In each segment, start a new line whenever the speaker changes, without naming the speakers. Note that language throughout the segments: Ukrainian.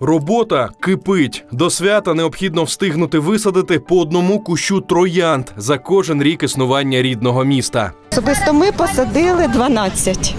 Робота кипить. До свята необхідно встигнути висадити по одному кущу троянд за кожен рік існування рідного міста.
Особисто ми посадили 12.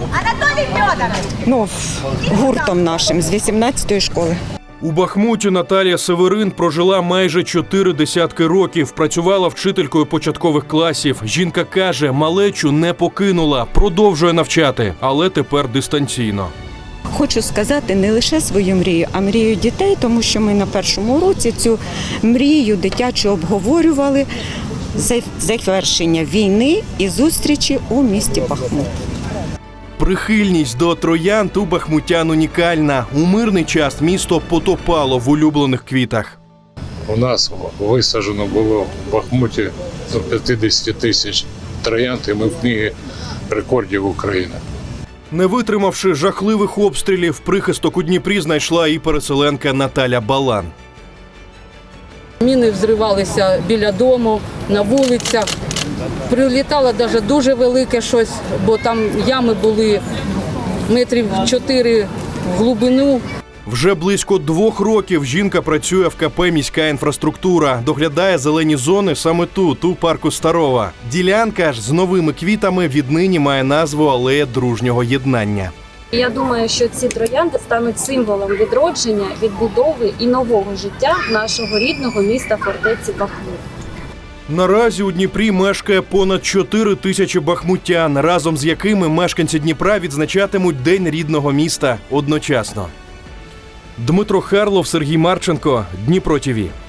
Гуртом нашим з 18-ї школи.
У Бахмуті Наталія Северин прожила майже 4 десятки років, працювала вчителькою початкових класів. Жінка каже, малечу не покинула, продовжує навчати, але тепер дистанційно.
Хочу сказати не лише свою мрію, а мрію дітей, тому що ми на першому уроці цю мрію дитячу обговорювали завершення війни і зустрічі у місті Бахмут.
Прихильність до троянд у бахмутян унікальна. У мирний час місто потопало в улюблених квітах.
У нас висаджено було в Бахмуті до 50 тисяч троянд, і ми в книгі рекордів України.
Не витримавши жахливих обстрілів, прихисток у Дніпрі знайшла і переселенка Наталя Балан.
Міни взривалися біля дому, на вулицях. Прилітало навіть дуже велике щось, бо там ями були метрів 4 в глибину.
Вже близько 2 років жінка працює в КП «Міська інфраструктура». Доглядає зелені зони саме тут, у парку Старова. Ділянка ж з новими квітами віднині має назву «Алея дружнього єднання».
Я думаю, що ці троянди стануть символом відродження, відбудови і нового життя нашого рідного міста фортеці Бахмут.
Наразі у Дніпрі мешкає понад 4 тисячі бахмутян, разом з якими мешканці Дніпра відзначатимуть День рідного міста одночасно. Дмитро Харлов, Сергій Марченко, Дніпро ТВ.